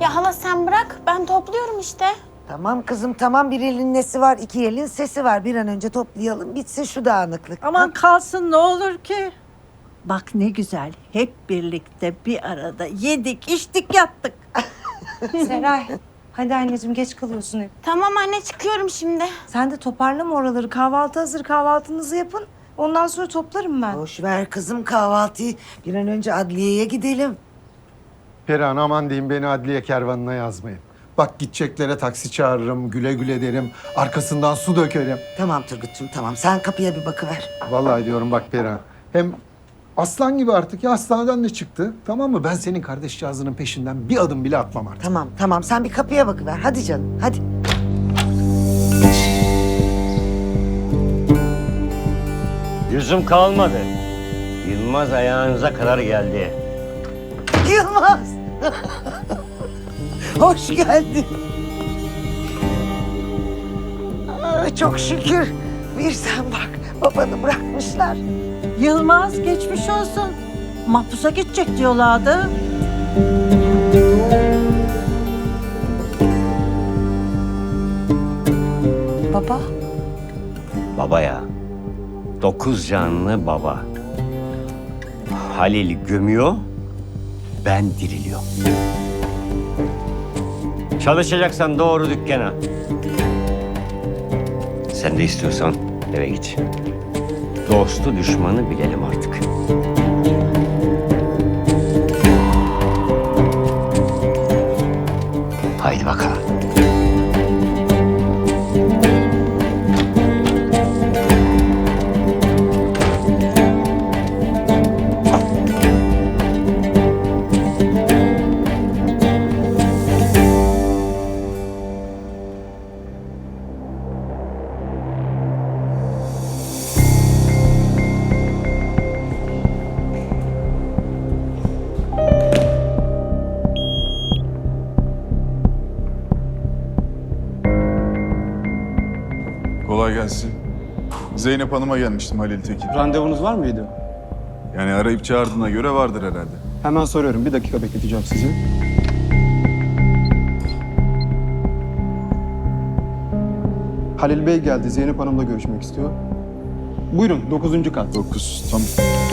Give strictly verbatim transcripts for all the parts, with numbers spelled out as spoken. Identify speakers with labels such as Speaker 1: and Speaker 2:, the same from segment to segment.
Speaker 1: Ya hala sen bırak, ben topluyorum işte.
Speaker 2: Tamam kızım tamam, bir elin nesi var, iki elin sesi var. Bir an önce toplayalım, bitsin şu dağınıklık.
Speaker 3: Aman
Speaker 2: Ha?
Speaker 3: kalsın ne olur ki. Bak ne güzel hep birlikte bir arada yedik içtik yattık.
Speaker 4: Seray, hadi anneciğim geç kalıyorsun hep.
Speaker 1: Tamam anne, çıkıyorum şimdi.
Speaker 4: Sen de toparlama oraları. Kahvaltı hazır, kahvaltınızı yapın. Ondan sonra toplarım ben.
Speaker 2: Boş ver kızım kahvaltıyı. Bir an önce adliyeye gidelim.
Speaker 5: Perihan aman diyeyim, beni adliye kervanına yazmayın. Bak gideceklere taksi çağırırım, güle güle derim. Arkasından su dökerim.
Speaker 2: Tamam Turgut'cum tamam, sen kapıya bir bakıver.
Speaker 5: Vallahi diyorum bak Perihan. Hem aslan gibi artık ya, hastaneden de çıktı. Tamam mı? Ben senin kardeşcağızının peşinden bir adım bile atmam artık.
Speaker 2: Tamam tamam, sen bir kapıya bakıver. Hadi canım hadi.
Speaker 6: Yüzüm kalmadı. Yılmaz ayağınıza kadar geldi.
Speaker 2: Yılmaz. Hoş geldin. Aa, çok şükür. Bir sen bak, babanı bırakmışlar.
Speaker 3: Yılmaz geçmiş olsun. Mahpusa gidecek diyorlardı.
Speaker 4: Baba,
Speaker 6: Baba ya. Dokuz canlı baba. Halil gömüyor, ben diriliyorum. Çalışacaksan doğru dükkana. Sen de istiyorsan eve git. Dostu düşmanı bilelim artık. Haydi bakalım.
Speaker 7: Kolay gelsin. Zeynep Hanım'a gelmiştim, Halil Tekin.
Speaker 8: Randevunuz var mıydı?
Speaker 7: Yani arayıp çağırdığına göre vardır herhalde.
Speaker 8: Hemen soruyorum. Bir dakika bekleteceğim sizi. Halil Bey geldi. Zeynep Hanım'la görüşmek istiyor. Buyurun, dokuzuncu kat.
Speaker 7: Dokuz, tamam.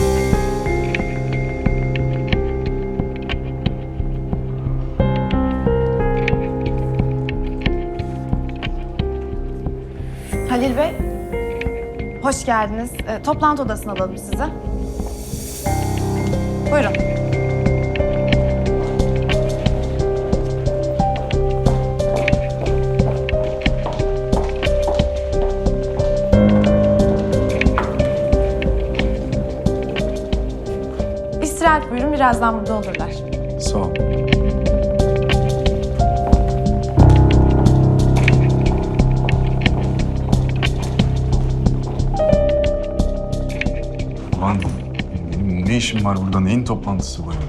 Speaker 9: Halil Bey, hoş geldiniz. E, toplantı odasına alalım sizi. Buyurun. İstirahat buyurun, birazdan burada olurlar.
Speaker 7: Sağ ol. Aman, benim ne işim var burada? Neyin toplantısı bu ya?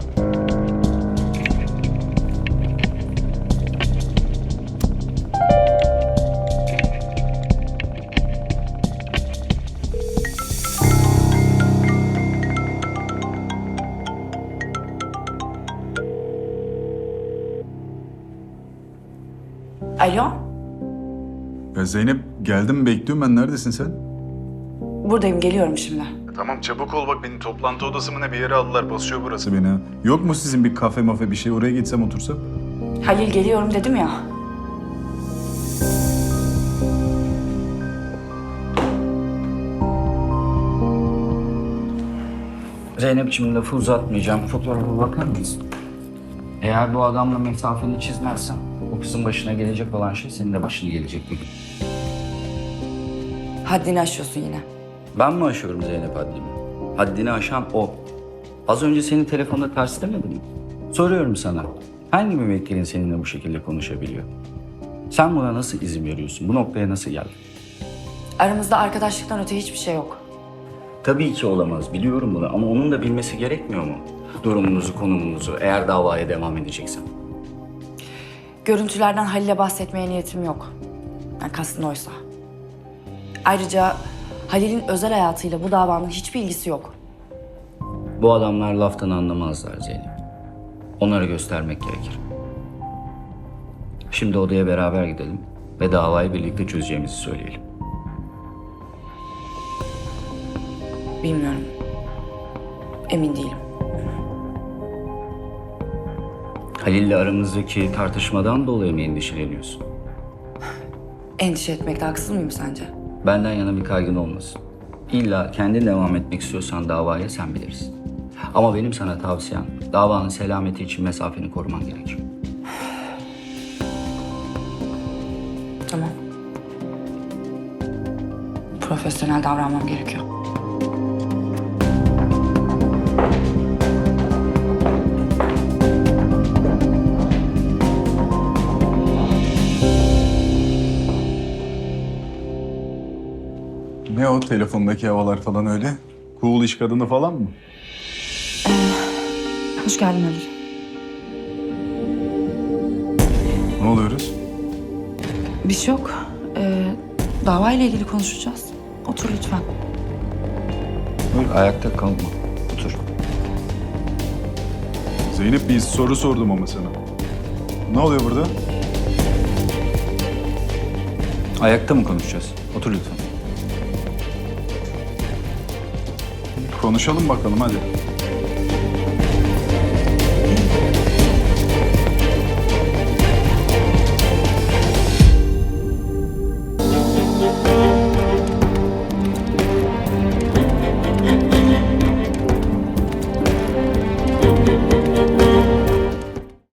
Speaker 9: Alo,
Speaker 7: Ya Zeynep, geldim bekliyorum ben. Neredesin sen?
Speaker 9: buradayım, geliyorum şimdi.
Speaker 7: Tamam çabuk ol, bak beni toplantı odası mı ne bir yere aldılar. Basıyor burası beni ha. Yok mu sizin bir kafe mafe bir şey? Oraya gitsem otursam?
Speaker 9: Halil geliyorum dedim ya.
Speaker 10: Zeynep'ciğim lafı uzatmayacağım. Fotoğrafa bakar mısın? Eğer bu adamla mesafeni çizmezsen o kızın başına gelecek olan şey senin de başına gelecek bir gün.
Speaker 9: Haddini aşıyorsun yine.
Speaker 10: Ben mi aşıyorum Zeynep haddimi? Haddini aşan o. Az önce senin telefonda ters demedim mi? Soruyorum sana. Hangi müvekkilin seninle bu şekilde konuşabiliyor? Sen buna nasıl izin veriyorsun? Bu noktaya nasıl geldin?
Speaker 9: Aramızda arkadaşlıktan öte hiçbir şey yok.
Speaker 10: Tabii ki olamaz. Biliyorum bunu ama onun da bilmesi gerekmiyor mu? Durumunuzu, konumunuzu eğer davaya devam edeceksem.
Speaker 9: Görüntülerden Halil'e bahsetmeye niyetim yok. Yani kastın oysa. Ayrıca Halil'in özel hayatıyla bu davanın hiçbir ilgisi yok.
Speaker 10: Bu adamlar laftan anlamazlar Zeynep. Onları göstermek gerekir. Şimdi odaya beraber gidelim ve davayı birlikte çözeceğimizi söyleyelim.
Speaker 9: Bilmiyorum. Emin değilim.
Speaker 10: Halil'le aramızdaki tartışmadan dolayı mı endişeleniyorsun?
Speaker 9: Endişe etmekte haksız mıyım sence?
Speaker 10: Benden yana bir kaygın olmasın. İlla kendin devam etmek istiyorsan davaya sen bilirsin. Ama benim sana tavsiyem davanın selameti için mesafeni koruman gerekiyor.
Speaker 9: Tamam. Profesyonel davranmam gerekiyor.
Speaker 7: Ne o telefondaki havalar falan öyle? Cool iş kadını falan mı?
Speaker 9: Hoş geldin Halil.
Speaker 7: Ne oluyoruz?
Speaker 9: Bir şey yok. Ee, davayla ilgili konuşacağız. Otur lütfen.
Speaker 10: Buyur, ayakta kalma. Otur.
Speaker 7: Zeynep, bir soru sordum ama sana. Ne oluyor burada?
Speaker 10: Ayakta mı konuşacağız? Otur lütfen.
Speaker 7: Konuşalım bakalım hadi.